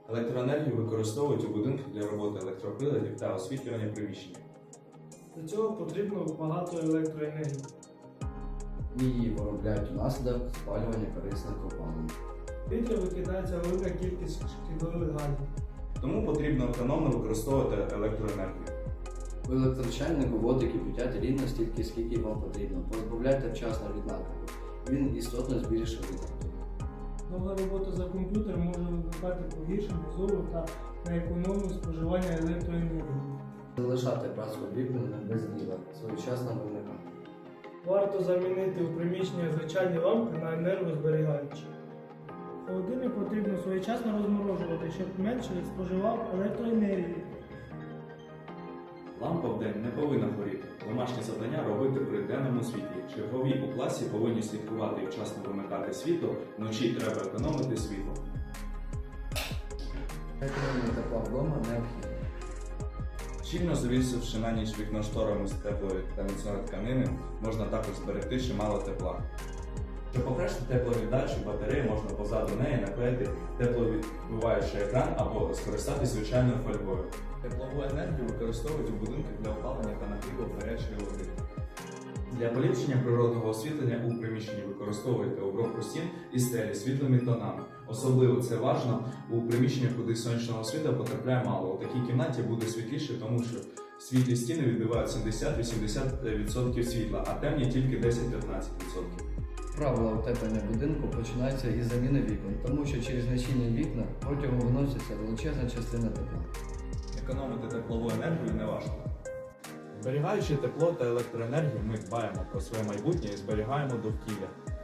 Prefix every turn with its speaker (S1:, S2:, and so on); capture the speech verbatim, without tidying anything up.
S1: Електроенергію використовують у будинках для роботи електроприладів та освітлювання приміщення.
S2: Для цього потрібно багато електроенергії.
S3: Її виробляють внаслідок спалювання корисних копалин.
S2: В повітря викидається велика кількість шкідливих газів.
S1: Тому потрібно економно використовувати електроенергію.
S3: У електрочайнику воду кипятять рівно стільки, скільки вам потрібно. Позбавляйте вчасно від накипу. Він істотно збільшує витрату.
S2: Довга робота за комп'ютером може викликати погіршення зору та неекономне споживання електроенергії.
S3: Залишати працю об'єктами без діла, своєчасно вимикати.
S2: Варто замінити у приміщенні звичайні лампи на енергозберігаючі. Холодильник потрібно своєчасно розморожувати, щоб менше споживав електроенергії.
S1: Лампа вдень не повинна горіти. Домашні завдання робити при денному світлі. Чергові у класі повинні слідкувати і вчасно вимикати світло, вночі треба економити світло.
S3: Економія тепла вдома необхідна.
S1: Щільно завісивши на ніч вікно шторами з теплої та міцної тканини, можна також зберегти чимало тепла. Щоб покращити тепловіддачу, батареї можна позаду неї наклеїти тепловідбиваючий екран або скористатися звичайною фольгою. Теплову енергію використовують у будинках для опалення та нагріву гарячої води. Для поліпшення природного освітлення у приміщенні використовуйте обробку стін і стелі світлими тонами. Особливо це важливо у приміщеннях, куди сонячного світла потрапляє мало. У такій кімнаті буде світліше, тому що світлі стіни відбивають сімдесят-вісімдесят відсотків світла, а темні тільки десять-п'ятнадцять відсотків.
S3: Правила утеплення будинку починаються із заміни вікон, тому що через нечинні вікна протягом виноситься величезна частина тепла.
S1: Економити теплову енергію не важко. Зберігаючи тепло та електроенергію, ми дбаємо про своє майбутнє і зберігаємо довкілля.